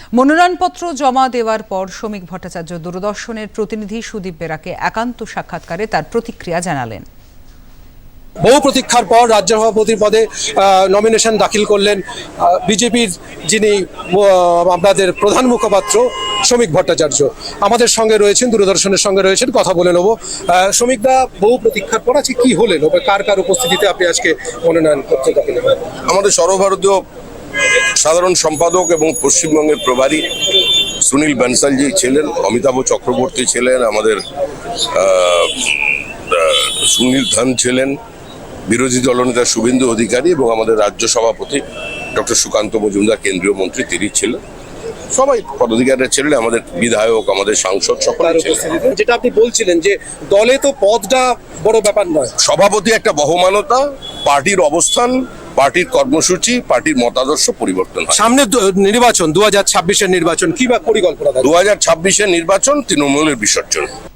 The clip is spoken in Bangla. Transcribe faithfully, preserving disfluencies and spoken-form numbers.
মনোনয়নপত্র জমা দেওয়ার পর শ্রমিক ভট্টাচার্য দূরদর্শনের প্রতিনিধি সুদীপ বেরাকে একান্ত সাক্ষাৎকারে তার প্রতিক্রিয়া জানালেন। বহু প্রতীক্ষার পর রাজ্য সভাপতি পদে নমিনেশন দাখিল করলেন বিজেপির যিনি আপনাদের প্রধান মুখপাত্র শ্রমিক ভট্টাচার্য। আমাদের সঙ্গে রয়েছেন, দূরদর্শনের সঙ্গে রয়েছেন, কথা বলে নেব। শ্রমিকদা, বহু প্রতীক্ষার পর আজকে কি হলেন, কার কার উপস্থিতিতে আপনি আজকে মনোনয়নপত্র দাখিল করলেন? আমাদের সর্বভারতীয় সাধারণ সম্পাদক এবং পশ্চিমবঙ্গের প্রভারী সুনীল বানসালজি ছিলেন, অমিতাভ চক্রবর্তী ছিলেন, আমাদের সুনীল ধন ছিলেন, বিরোধী দলনেতা শুভেন্দু অধিকারী এবং আমাদের রাজ্য সভাপতি ডক্টর সুকান্ত মজুমদার কেন্দ্রীয় মন্ত্রী তিনি ছিলেন। সবাই পদাধিকারীরা ছিলেন, আমাদের বিধায়ক, আমাদের সাংসদ সকলে ছিলেন। যেটা আপনি বলছিলেন যে দলে তো পদটা বড় ব্যাপার নয়, সভাপতি একটা বহমানতা, পার্টির অবস্থান, পার্টির কর্মসূচি, পার্টির মতাদর্শ পরিবর্তন হয়। সামনে নির্বাচন, দু হাজার ছাব্বিশের নির্বাচন, কি বা পরিকল্পনা? দু হাজার ছাব্বিশের নির্বাচন তৃণমূলের বিসর্জন।